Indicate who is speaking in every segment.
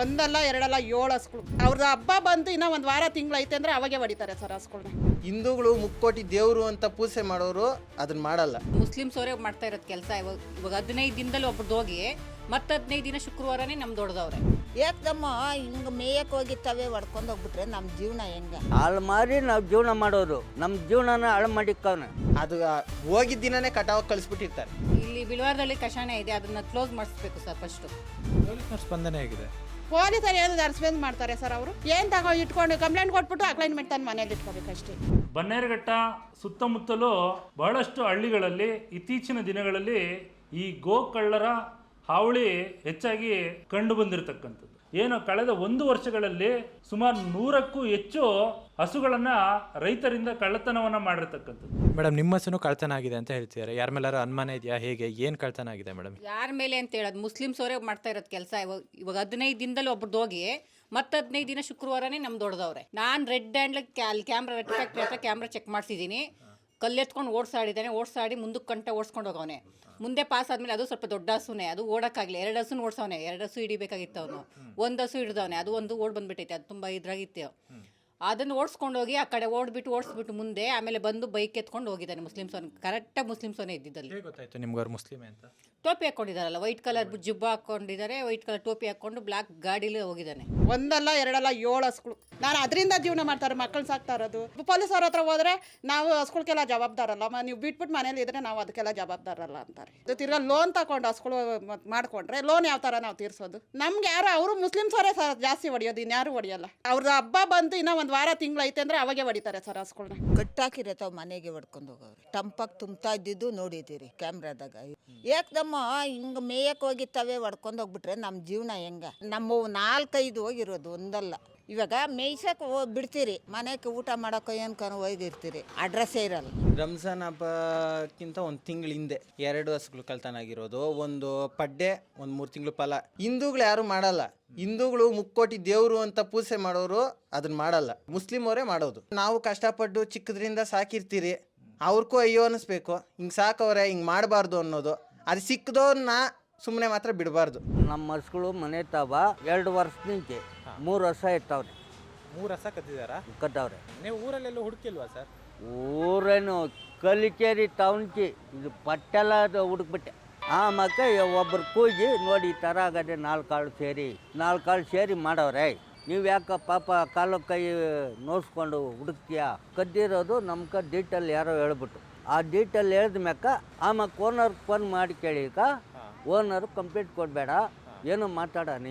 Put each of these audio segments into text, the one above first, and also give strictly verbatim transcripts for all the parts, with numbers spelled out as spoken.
Speaker 1: ಒಂದಲ್ಲ ಎರಡಲ್ಲ ಏಳು ಹಸುಗಳು. ಅವ್ರದ್ದು ಹಬ್ಬ ಬಂದು ಇನ್ನೂ ಒಂದು ವಾರ ತಿಂಗಳು ಐತೆ ಅಂದರೆ ಅವಾಗೆ ಹೊಡಿತಾರೆ ಸರ್ ಹಸುಗಳನ್ನ.
Speaker 2: ಹಿಂದೂಗಳು ಮುಕ್ಕೋಟಿ ದೇವರು ಅಂತ ಪೂಜೆ ಮಾಡೋರು ಅದನ್ನ ಮಾಡಲ್ಲ.
Speaker 3: ಮುಸ್ಲಿಮ್ಸ್ ಅವರೇ ಮಾಡ್ತಾ ಇರೋದು ಕೆಲಸ. ಇವಾಗ ಇವಾಗ ಹದಿನೈದು ದಿನದಲ್ಲಿ ಒಬ್ರದ್ದು ಹೋಗಿ ಮತ್ತೆ ಹದಿನೈದು ದಿನ ಶುಕ್ರವಾರನೇ ನಮ್ದು ದೊಡ್ಡದವ್ರೆ.
Speaker 4: ಏಕದಮ್ಮ ಹಿಂಗೆ ಮೇಯಕ್ಕೆ ಹೋಗಿತ್ತವೆ ಹೊಡ್ಕೊಂಡು ಹೋಗ್ಬಿಟ್ರೆ ನಮ್ಮ ಜೀವನ ಹೆಂಗೆ?
Speaker 5: ಹಾಳು ಮಾರಿ ನಾವು ಜೀವನ ಮಾಡೋರು, ನಮ್ಮ ಜೀವನನ ಹಾಳು ಮಾಡಿಕ್ಕವನ.
Speaker 2: ಅದು ಹೋಗಿದ್ದ ದಿನನೇ ಕಟಾವ್ ಕಳಿಸ್ಬಿಟ್ಟಿರ್ತಾರೆ.
Speaker 3: ಇಲ್ಲಿ ಬಿಳವಾರದಲ್ಲಿ ಕಷಾಯ ಇದೆ, ಅದನ್ನ ಕ್ಲೋಸ್ ಮಾಡಿಸ್ಬೇಕು ಸರ್ ಫಸ್ಟ್.
Speaker 6: ಪೊಲೀಸ್ನವ್ರ ಸ್ಪಂದನೆ ಹೇಗಿದೆ?
Speaker 1: ಪೊಲೀಸರು ಏನು ರೆಸ್ಪಾನ್ಸ್ ಮಾಡ್ತಾರೆ ಸರ್? ಅವರು ಏನು ತಗೋ ಇಟ್ಕೊಂಡು ಕಂಪ್ಲೇಂಟ್ ಕೊಟ್ಬಿಟ್ಟು ಅಕ್ಲೈನ್ಮೆಂಟ್ ತಂದು ಮನೇಲಿ ಇಟ್ಕೋಬೇಕಷ್ಟೇ.
Speaker 7: ಬನ್ನೇರುಘಟ್ಟ ಸುತ್ತಮುತ್ತಲೂ ಬಹಳಷ್ಟು ಹಳ್ಳಿಗಳಲ್ಲಿ ಇತ್ತೀಚಿನ ದಿನಗಳಲ್ಲಿ ಈ ಗೋಕಳ್ಳರ ಹಾವಳಿ ಹೆಚ್ಚಾಗಿ ಕಂಡು ಬಂದಿರತಕ್ಕಂಥದ್ದು. ಏನು ಕಳೆದ ಒಂದು ವರ್ಷಗಳಲ್ಲಿ ಸುಮಾರು ನೂರಕ್ಕೂ ಹೆಚ್ಚು ಹಸುಗಳನ್ನ ರೈತರಿಂದ ಕಳ್ಳತನವನ್ನ ಮಾಡಿರ್ತಕ್ಕಂಥದ್ದು.
Speaker 6: ಮೇಡಮ್, ನಿಮ್ಮ ಹಸುನು ಕಳ್ತನ ಆಗಿದೆ ಅಂತ ಹೇಳ್ತಿದ್ದಾರೆ. ಯಾರ ಮೇಲಾರು ಅನುಮಾನ ಇದೆಯಾ? ಹೇಗೆ, ಏನು ಕಳ್ತನ ಆಗಿದೆ ಮೇಡಮ್?
Speaker 3: ಯಾರ ಮೇಲೆ ಅಂತ ಹೇಳೋದು, ಮುಸ್ಲಿಮ್ಸ್ ಅವರೇ ಮಾಡ್ತಾ ಇರೋದು ಕೆಲಸ. ಇವಾಗ ಇವಾಗ ಹದಿನೈದು ದಿನದಲ್ಲಿ ಒಬ್ರದ್ದು ಹೋಗಿ ಮತ್ತೆ ಹದಿನೈದು ದಿನ ಶುಕ್ರವಾರನೇ ನಮ್ದು ದೊಡ್ಡದವ್ರೆ. ನಾನು ರೆಡ್ ಹ್ಯಾಂಡ್ ಅಲ್ಲಿ ಕ್ಯಾಮ್ರಾ ರೆಡ್ ಫ್ಯಾಕ್ಟ್ರಿ ಹತ್ರ ಕ್ಯಾಮ್ರಾ ಚೆಕ್ ಮಾಡಿಸಿದ್ದೀನಿ. ಕಲ್ಲೆತ್ಕೊಂಡು ಓಡಿಸಾಡಿದ್ದಾನೆ, ಓಡಿಸಾಡಿ ಮುಂದಕ್ಕೆ ಕಂಟ ಓಡಿಸ್ಕೊಂಡು ಹೋಗವನೆ. ಮುಂದೆ ಪಾಸ್ ಆದಮೇಲೆ ಅದು ಸ್ವಲ್ಪ ದೊಡ್ಡ ಹಸುನೇ, ಅದು ಓಡೋಕ್ಕಾಗಲಿ. ಎರಡು ಹಸುನ ಓಡಿಸವನೆ, ಎರಡು ಹಸು ಹಿಡಿಬೇಕಾಗಿತ್ತು ಅವನು. ಒಂದು ಹಸು ಹಿಡ್ದವನೆ, ಅದು ಒಂದು ಓಡ್ ಬಂದ್ಬಿಟ್ಟೈತೆ, ಅದು ತುಂಬ ಇದ್ರಾಗಿತ್ತು. ಅದನ್ನು ಓಡಿಸ್ಕೊಂಡು ಹೋಗಿ ಆ ಕಡೆ ಓಡ್ಬಿಟ್ಟು ಓಡಿಸ್ಬಿಟ್ಟು ಮುಂದೆ ಆಮೇಲೆ ಬಂದು ಬೈಕ್ ಎತ್ಕೊಂಡು ಹೋಗಿದ್ದಾನೆ. ಮುಸ್ಲಿಮ್ಸ್ ಅವನು ಕರೆಕ್ಟಾಗಿ ಮುಸ್ಲಿಮ್ಸ್ ಅವನೇ ಇದ್ದಿದ್ದಲ್ಲಿ.
Speaker 6: ಗೊತ್ತಾಯ್ತು ನಿಮ್ಗೆ ಅವ್ರು ಮುಸ್ಲಿಮೇ ಅಂತ?
Speaker 3: ಟೋಪಿ ಹಾಕ್ಕೊಂಡಿದ್ದಾರಲ್ಲ, ವೈಟ್ ಕಲರ್ ಜುಬ್ಬ ಹಾಕ್ಕೊಂಡಿದ್ದಾರೆ, ವೈಟ್ ಕಲರ್ ಟೋಪಿ ಹಾಕ್ಕೊಂಡು ಬ್ಲ್ಯಾಕ್ ಗಾಡೀಲಿ ಹೋಗಿದ್ದಾನೆ.
Speaker 1: ಒಂದಲ್ಲ ಎರಡಲ್ಲ ಏಳು ಹಸುಗಳು. ನಾನು ಅದರಿಂದ ಜೀವನ ಮಾಡ್ತಾರೆ, ಮಕ್ಕಳು ಸಾಕ್ತಾ ಇರೋದು. ಪೊಲೀಸವ್ರ ಹತ್ರ ಹೋದ್ರೆ ನಾವು ಹಸುಗಳಿಗೆಲ್ಲ ಜವಾಬ್ದಾರಲ್ಲ, ನೀವು ಬಿಟ್ಬಿಟ್ಟು ಮನೇಲಿ ಇದ್ರೆ ನಾವು ಅದಕ್ಕೆಲ್ಲ ಜವಾಬ್ದಾರಲ್ಲ ಅಂತಾರೆ. ಇದು ತಿರ್ಗಾ ಲೋನ್ ತಗೊಂಡು ಹಸುಗಳು ಮಾಡ್ಕೊಂಡ್ರೆ ಲೋನ್ ಯಾವ ಥರ ನಾವು ತೀರ್ಸೋದು? ನಮ್ಗೆ ಯಾರು ಅವರು ಮುಸ್ಲಿಮ್ಸ್ ಅವರೇ ಸರ್ ಜಾಸ್ತಿ ಹೊಡಿಯೋದು, ಇನ್ಯಾರು ಹೊಡಿಯಲ್ಲ. ಅವ್ರದ್ದು ಹಬ್ಬ ಬಂದು ಇನ್ನೂ ಒಂದು ವಾರ ತಿಂಗಳು ಐತೆ ಅಂದರೆ ಅವಾಗೆ ಹೊಡಿತಾರೆ ಸರ್ ಹಸುಗಳನ್ನ.
Speaker 4: ಕಟ್ಟಾಕಿರತ್ತವ ಮನೆಗೆ ಹೊಡ್ಕೊಂಡು ಹೋಗವ್ರೆ. ಟಂಪಾಗಿ ತುಂಬ್ತಾ ಇದ್ದಿದ್ದು ನೋಡಿದ್ದೀರಿ ಕ್ಯಾಮ್ರಾದಾಗ. ಏಕದಮ್ಮ ಹಿಂಗೆ ಮೇಯಕ್ಕೆ ಹೋಗಿತ್ತವೆ ಹೊಡ್ಕೊಂಡು ಹೋಗ್ಬಿಟ್ರೆ ನಮ್ಮ ಜೀವನ ಹೆಂಗೆ? ನಮ್ಮ ನಾಲ್ಕೈದು ಹೋಗಿರೋದು ಒಂದಲ್ಲ. ಇವಾಗ ಮೇಯ್ಸಕ್ಕೆ ಹೋಗಿ ಬಿಡ್ತೀರಿ, ಮನೆಗೆ ಊಟ ಮಾಡೋಕೆ ಏನ್ಕೊಂಡು ಹೋಗಿರ್ತೀರಿ, ಅಡ್ರೆಸ್ಸೇ ಇರಲ್ಲ.
Speaker 2: ರಂಜಾನ್ ಹಬ್ಬಕ್ಕಿಂತ ಒಂದು ತಿಂಗಳ ಹಿಂದೆ ಎರಡು ಹಸುಗಳು ಕಳ್ತನ ಆಗಿರೋದು, ಒಂದು ಪಡ್ಡೆ, ಒಂದು ಮೂರು ತಿಂಗಳು ಫಲ. ಹಿಂದೂಗಳು ಯಾರು ಮಾಡಲ್ಲ. ಹಿಂದೂಗಳು ಮುಕ್ಕೋಟಿ ದೇವರು ಅಂತ ಪೂಜೆ ಮಾಡೋರು ಅದನ್ನ ಮಾಡಲ್ಲ. ಮುಸ್ಲಿಮ್ ಅವರೇ ಮಾಡೋದು. ನಾವು ಕಷ್ಟಪಟ್ಟು ಚಿಕ್ಕದ್ರಿಂದ ಸಾಕಿರ್ತೀರಿ, ಅವ್ರಿಗೂ ಅಯ್ಯೋ ಅನ್ನಿಸ್ಬೇಕು, ಹಿಂಗೆ ಸಾಕವ್ರೆ, ಹಿಂಗೆ ಮಾಡಬಾರ್ದು ಅನ್ನೋದು. ಅದು ಸಿಕ್ಕದವ್ರನ್ನ ಸುಮ್ಮನೆ ಮಾತ್ರ ಬಿಡಬಾರ್ದು.
Speaker 5: ನಮ್ಮ ಹಸುಗಳು ಮನೆ ತಾವ ಎರಡು ವರ್ಷದಿಂಚೆ ಮೂರು ವರ್ಷ ಇರ್ತಾವ್ರೆ.
Speaker 6: ಮೂರು ಹಸ ಕದ್ದಿದ್ದಾರಾ?
Speaker 5: ಕತ್ತವ್ರೆ.
Speaker 6: ನೀವು ಊರಲ್ಲೆಲ್ಲ ಹುಡುಕಿಲ್ವಾ ಸರ್?
Speaker 5: ಊರೇನು ಕಲಿಕೇರಿ ಟೌನ್ಕಿ ಇದು ಪಟ್ಟೆಲ್ಲ ಅದು ಹುಡುಕ್ಬಿಟ್ಟೆ. ಆ ಮಕ್ಕ ಒಬ್ಬರು ಕೂಗಿ ನೋಡಿ ಈ ಥರ ಆಗದೆ ನಾಲ್ಕು ಕಾಳು ಸೇರಿ ನಾಲ್ಕು ಕಾಳು ಸೇರಿ ಮಾಡವ್ರೆ. ನೀವು ಯಾಕೆ ಪಾಪ ಕಾಲು ಕೈ ನೋಡ್ಸ್ಕೊಂಡು ಹುಡುಕ್ತೀಯಾ? ಕದ್ದಿರೋದು ನಮ್ಗೆ ಡೀಟೇಲ್ ಯಾರೋ ಹೇಳ್ಬಿಟ್ಟು, ಆ ಡೀಟೇಲ್ ಹೇಳಿದ ಮ್ಯಾಕ ಆಮೇಲೆ ಓನರ್ಗೆ ಫೋನ್ ಮಾಡಿ ಕೇಳಿಕ ಓನರು ಕಂಪ್ಲೇಂಟ್ ಕೊಡಬೇಡ, ಏನು ಮಾತಾಡನಿ,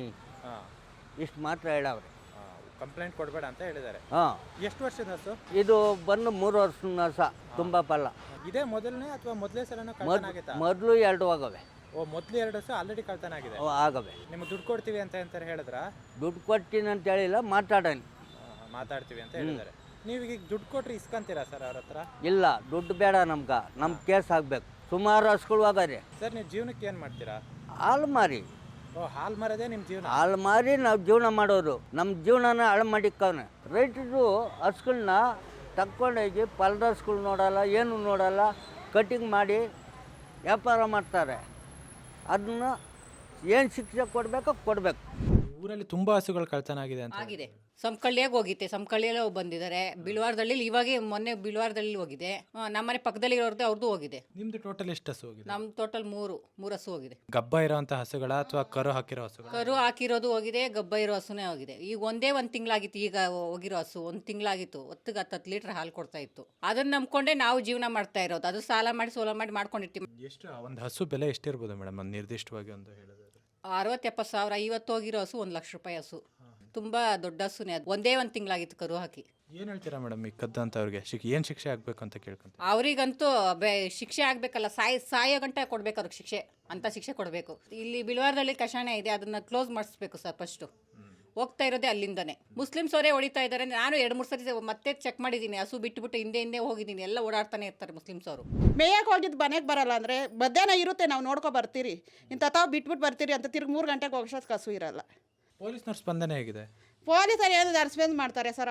Speaker 5: ಇಷ್ಟು ಮಾತ್ರ ಹೇಳವ್ರೆ.
Speaker 6: ಕಂಪ್ಲೇಂಟ್ ಕೊಡಬೇಡ ಅಂತ ಹೇಳಿದ್ದಾರೆ.
Speaker 5: ಹಾಂ.
Speaker 6: ಎಷ್ಟು ವರ್ಷದ ಹಸು
Speaker 5: ಇದು ಬಂದು ಮೂರು ವರ್ಷದ ಹಸ, ತುಂಬ ಫಲ.
Speaker 6: ಇದೇ ಮೊದಲನೇ ಅಥವಾ ಮೊದಲೇ ಸಲ
Speaker 5: ಮೊದಲು ಎರಡು ಆಗವೆ.
Speaker 6: ಓ, ಮೊದಲು ಎರಡು ಹಸು ಆಲ್ರೆಡಿ ಕಳ್ತನ ಆಗಿದೆ.
Speaker 5: ಆಗವೆ.
Speaker 6: ನಿಮ್ಗೆ ದುಡ್ಡು ಕೊಡ್ತೀವಿ ಅಂತ ಅಂತಾರೆ ಹೇಳಿದ್ರ?
Speaker 5: ದುಡ್ಡು ಕೊಡ್ತೀನಿ ಅಂತ ಹೇಳಿಲ್ಲ, ಮಾತಾಡನಿ,
Speaker 6: ಮಾತಾಡ್ತೀವಿ ಅಂತ ಹೇಳಿದ್ದಾರೆ. ನೀವು ಈಗ ದುಡ್ಡು ಕೊಟ್ರೆ ಇಸ್ಕೊಂತೀರಾ ಸರ್ ಅವ್ರ ಹತ್ರ?
Speaker 5: ಇಲ್ಲ, ದುಡ್ಡು ಬೇಡ ನಮ್ಗೆ, ನಮ್ಮ ಕೇಸ್ ಆಗಬೇಕು. ಸುಮಾರು ಹಸುಗಳು ಆಗರೆ.
Speaker 6: ಸರ್, ನೀವು ಜೀವನಕ್ಕೆ ಏನು ಮಾಡ್ತೀರಾ?
Speaker 5: ಹಾಲು ಮಾರಿ.
Speaker 6: ಓ, ಹಾಲು ಮಾರೋದೇ ನಿಮ್ಮ ಜೀವನ?
Speaker 5: ಹಾಲು ಮಾರಿ ನಾವು ಜೀವನ ಮಾಡೋರು, ನಮ್ಮ ಜೀವನನ ಹಾಳು ಮಾಡಿಕ್ಕವನೆ. ರೈತರು ಹಸುಗಳನ್ನ ತಕ್ಕೊಂಡೋಗಿ ಪಲ್ದ ಹಸುಗಳು ನೋಡಲ್ಲ, ಏನು ನೋಡಲ್ಲ, ಕಟಿಂಗ್ ಮಾಡಿ ವ್ಯಾಪಾರ ಮಾಡ್ತಾರೆ. ಅದನ್ನ ಏನು ಶಿಕ್ಷೆ ಕೊಡಬೇಕೋ ಕೊಡಬೇಕು.
Speaker 6: ಊರಲ್ಲಿ ತುಂಬ ಹಸುಗಳು ಕಳ್ತನ ಆಗಿದೆ ಅಂತ
Speaker 3: ಆಗಿದೆ. ಸಂಕಳ್ಳಿಯಾಗಿ ಹೋಗಿತ್ತೆ, ಸಂಕಳ್ಳಿಯಲ್ಲೇ ಬಂದಿದ್ದಾರೆ. ಬಿಳವಾರದಲ್ಲಿ ಇವಾಗೆ ಮೊನ್ನೆ ಬಿಳವಾರದಲ್ಲಿ ಹೋಗಿದೆ. ನಮ್ಮನೆ ಪಕ್ಕದಲ್ಲಿ ಇರೋರ್ದು ಅವ್ರದ್ದು ಹೋಗಿದೆ.
Speaker 6: ನಿಮ್ದು ಟೋಟಲ್ ಎಷ್ಟು ಹಸು ಹೋಗಿದೆ?
Speaker 3: ನಮ್ಮ ಟೋಟಲ್ ಮೂರು ಮೂರು ಹಸು ಹೋಗಿದೆ.
Speaker 6: ಗಬ್ಬ ಇರೋಂಥ ಹಸುಗಳ ಅಥವಾ ಕರು ಹಾಕಿರೋ ಹಸುಗಳ?
Speaker 3: ಕರು ಹಾಕಿರೋದು ಹೋಗಿದೆ, ಗಬ್ಬ ಇರೋ ಹಸುನೇ ಹೋಗಿದೆ. ಈಗ ಒಂದೇ ಒಂದು ತಿಂಗಳಾಗಿತ್ತು ಈಗ ಹೋಗಿರೋ ಹಸು. ಒಂದು ತಿಂಗಳಾಗಿತ್ತು, ಹೊತ್ತಿಗೆ ಹತ್ತು ಹತ್ತು ಲೀಟ್ರ್ ಹಾಲು ಕೊಡ್ತಾ ಇತ್ತು. ಅದನ್ನ ನಂಬ್ಕೊಂಡೆ ನಾವು ಜೀವನ ಮಾಡ್ತಾ ಇರೋದು. ಅದು ಸಾಲ ಮಾಡಿ ಸೋಲ ಮಾಡಿ ಮಾಡ್ಕೊಂಡಿರ್ತೀವಿ.
Speaker 6: ಎಷ್ಟು ಒಂದು ಹಸು ಬೆಲೆ ಎಷ್ಟಿರ್ಬೋದು ಮೇಡಮ್, ಒಂದು ನಿರ್ದಿಷ್ಟವಾಗಿ ಒಂದು ಹೇಳಿದ್ರೆ?
Speaker 3: ಅರವತ್ತು ಎಪ್ಪತ್ತು ಸಾವಿರ. ಇವತ್ತು ಹೋಗಿರೋ ಹಸು ಒಂದು ಲಕ್ಷ ರೂಪಾಯಿ ಹಸು. ತುಂಬ ದೊಡ್ಡ ಹಸುನೇ ಅದು. ಒಂದೇ ಒಂದು ತಿಂಗಳಾಗಿತ್ತು ಕರು ಹಾಕಿ.
Speaker 6: ಏನು ಹೇಳ್ತೀರಾ ಮೇಡಮ್ ಈ ಕದ್ದಂಥವ್ರಿಗೆ? ಶಿಕ್ ಏನು ಶಿಕ್ಷೆ ಆಗಬೇಕು ಅಂತ ಕೇಳ್ಕೊಂತ?
Speaker 3: ಅವರಿಗಂತೂ ಬೆ ಶಿಕ್ಷೆ ಆಗಬೇಕಲ್ಲ, ಸಾಯ್ ಸಾಯೋ ಗಂಟೆ ಕೊಡಬೇಕು ಅವ್ರಿಗೆ ಶಿಕ್ಷೆ, ಅಂತ ಶಿಕ್ಷೆ ಕೊಡಬೇಕು. ಇಲ್ಲಿ ಬಿಳವಾರದಲ್ಲಿ ಕಷಾಯ ಇದೆ, ಅದನ್ನು ಕ್ಲೋಸ್ ಮಾಡಿಸ್ಬೇಕು ಸರ್ ಫಸ್ಟು. ಹೋಗ್ತಾ ಇರೋದೇ ಅಲ್ಲಿಂದನೇ. ಮುಸ್ಲಿಮ್ಸ್ ಅವರೇ ಹೊಡಿತಾ ಇದ್ದಾರೆ. ನಾನು ಎರಡು ಮೂರು ಸರಿ ಮತ್ತೆ ಚೆಕ್ ಮಾಡಿದ್ದೀನಿ, ಹಸು ಬಿಟ್ಟುಬಿಟ್ಟು ಹಿಂದೆ ಹಿಂದೆ ಹೋಗಿದ್ದೀನಿ, ಎಲ್ಲ ಓಡಾಡ್ತಾನೆ ಇರ್ತಾರೆ ಮುಸ್ಲಿಮ್ಸ್ ಅವರು.
Speaker 1: ಮೇಯಕ್ಕೆ ಹೋಗಿದ್ದು ಮನೆಗೆ ಬರಲ್ಲ ಅಂದರೆ ಮಧ್ಯಾಹ್ನ ಇರುತ್ತೆ, ನಾವು ನೋಡ್ಕೊ ಬರ್ತೀರಿ, ಇಂಥ ತಾವು ಬಿಟ್ಬಿಟ್ಟು ಬರ್ತೀರಿ ಅಂತ ತಿರ್ಗಿ ಮೂರು ಗಂಟೆಗೆ ಹೋಗೋಷ್ಟು ಹಸು ಇರಲ್ಲ.
Speaker 6: ಪೊಲೀಸ್ನವ್ರ ಸ್ಪಂದನೆ ಹೇಗಿದೆ?
Speaker 1: ಪೊಲೀಸರು ಏನು ರೆಸ್ಪಾನ್ಸ್ ಮಾಡ್ತಾರೆ ಸರ್? ಅವರು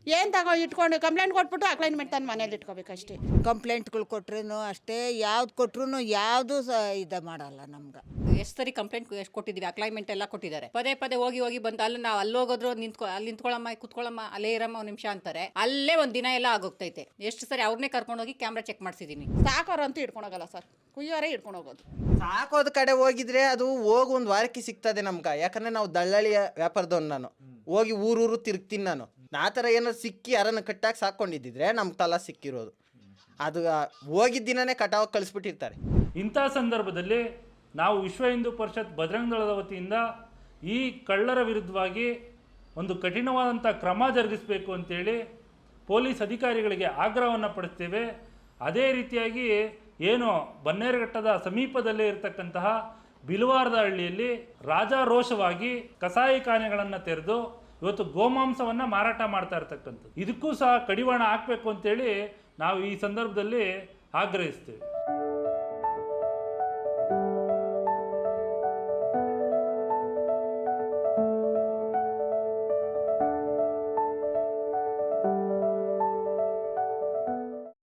Speaker 1: ಏನು ತಗೋ ಇಟ್ಕೊಂಡು ಕಂಪ್ಲೇಂಟ್ ಕೊಟ್ಬಿಟ್ಟು ಅಕ್ಲೈನ್ಮೆಂಟ್ ತಂದು ಮನೇಲಿ ಇಟ್ಕೋಬೇಕಷ್ಟೇ.
Speaker 4: ಕಂಪ್ಲೇಂಟ್ಗಳು ಕೊಟ್ರೂ ಅಷ್ಟೇ, ಯಾವ್ದು ಕೊಟ್ರು ಯಾವುದು ಸಹ ಇದು ಮಾಡಲ್ಲ ನಮ್ಗೆ.
Speaker 3: ಎಷ್ಟು ಸರಿ ಕಂಪ್ಲೇಂಟ್ ಎಷ್ಟು ಕೊಟ್ಟಿದ್ದೀವಿ, ಅಕ್ಲೈನ್ಮೆಂಟ್ ಎಲ್ಲ ಕೊಟ್ಟಿದ್ದಾರೆ. ಪದೇ ಪದೇ ಹೋಗಿ ಹೋಗಿ ಬಂದು ಅಲ್ಲಿ ನಾವು ಅಲ್ಲಿ ಹೋಗೋದ್ರು ನಿಂತ್ಕೊ ಅಲ್ಲಿ ನಿಂತ್ಕೊಳ್ಳಮ್ಮ ಕುತ್ಕೊಳ್ಳಮ್ಮ ಅಲ್ಲೇ ಇರಮ್ಮ ಒಂದು ನಿಮಿಷ ಅಂತಾರೆ. ಅಲ್ಲೇ ಒಂದು ದಿನ ಎಲ್ಲ ಆಗೋಗ್ತೈತೆ. ಎಷ್ಟು ಸರಿ ಅವ್ರನ್ನೇ ಕರ್ಕೊಂಡು ಹೋಗಿ ಕ್ಯಾಮ್ರಾ ಚೆಕ್ ಮಾಡಿಸಿದ್ದೀನಿ.
Speaker 1: ಸಾಕೋರಂತೂ ಇಟ್ಕೊಂಡೋಗಲ್ಲ ಸರ್, ಕುಯ್ಯೋರೇ ಇಟ್ಕೊಂಡು ಹೋಗೋದು.
Speaker 2: ಸಾಕೋದ್ ಕಡೆ ಹೋಗಿದ್ರೆ ಅದು ಹೋಗಿ ಒಂದು ವಾರಕ್ಕೆ ಸಿಗ್ತದೆ ನಮ್ಗೆ. ಯಾಕಂದ್ರೆ ನಾವು ದಳ್ಳಾಳಿಯ ವ್ಯಾಪಾರದವ್ನು, ನಾನು ಹೋಗಿ ಊರೂರು ತಿರುಗ್ತೀನಿ. ನಾನು ಆ ಥರ ಏನಾದ್ರು ಸಿಕ್ಕಿ ಯಾರನ್ನ ಕಟ್ಟಾಗಿ ಸಾಕೊಂಡಿದ್ದಿದ್ರೆ ನಮ್ಗೆ ತಲಾ ಸಿಕ್ಕಿರೋದು. ಅದು ಹೋಗಿದ್ದ ದಿನನೇ ಕಟಾವು ಕಳಿಸ್ಬಿಟ್ಟಿರ್ತಾರೆ.
Speaker 7: ಇಂಥ ಸಂದರ್ಭದಲ್ಲಿ ನಾವು ವಿಶ್ವ ಹಿಂದೂ ಪರಿಷತ್ ಬಜರಂಗ ದಳದ ವತಿಯಿಂದ ಈ ಕಳ್ಳರ ವಿರುದ್ಧವಾಗಿ ಒಂದು ಕಠಿಣವಾದಂಥ ಕ್ರಮ ಜರುಗಿಸಬೇಕು ಅಂತೇಳಿ ಪೊಲೀಸ್ ಅಧಿಕಾರಿಗಳಿಗೆ ಆಗ್ರಹವನ್ನು ಪಡಿಸ್ತೇವೆ. ಅದೇ ರೀತಿಯಾಗಿ ಏನು ಬನ್ನೇರುಘಟ್ಟದ ಸಮೀಪದಲ್ಲೇ ಇರತಕ್ಕಂತಹ ಬಿಲವಾರದ ಹಳ್ಳಿಯಲ್ಲಿ ರಾಜಾರೋಷವಾಗಿ ಕಸಾಯಿಖಾನೆಗಳನ್ನು ತೆರೆದು ಇವತ್ತು ಗೋಮಾಂಸವನ್ನು ಮಾರಾಟ ಮಾಡ್ತಾ ಇರ್ತಕ್ಕಂಥದ್ದು. ಇದಕ್ಕೂ ಸಹ ಕಡಿವಾಣ ಹಾಕಬೇಕು ಅಂತೇಳಿ ನಾವು ಈ ಸಂದರ್ಭದಲ್ಲಿ ಆಗ್ರಹಿಸ್ತೇವೆ.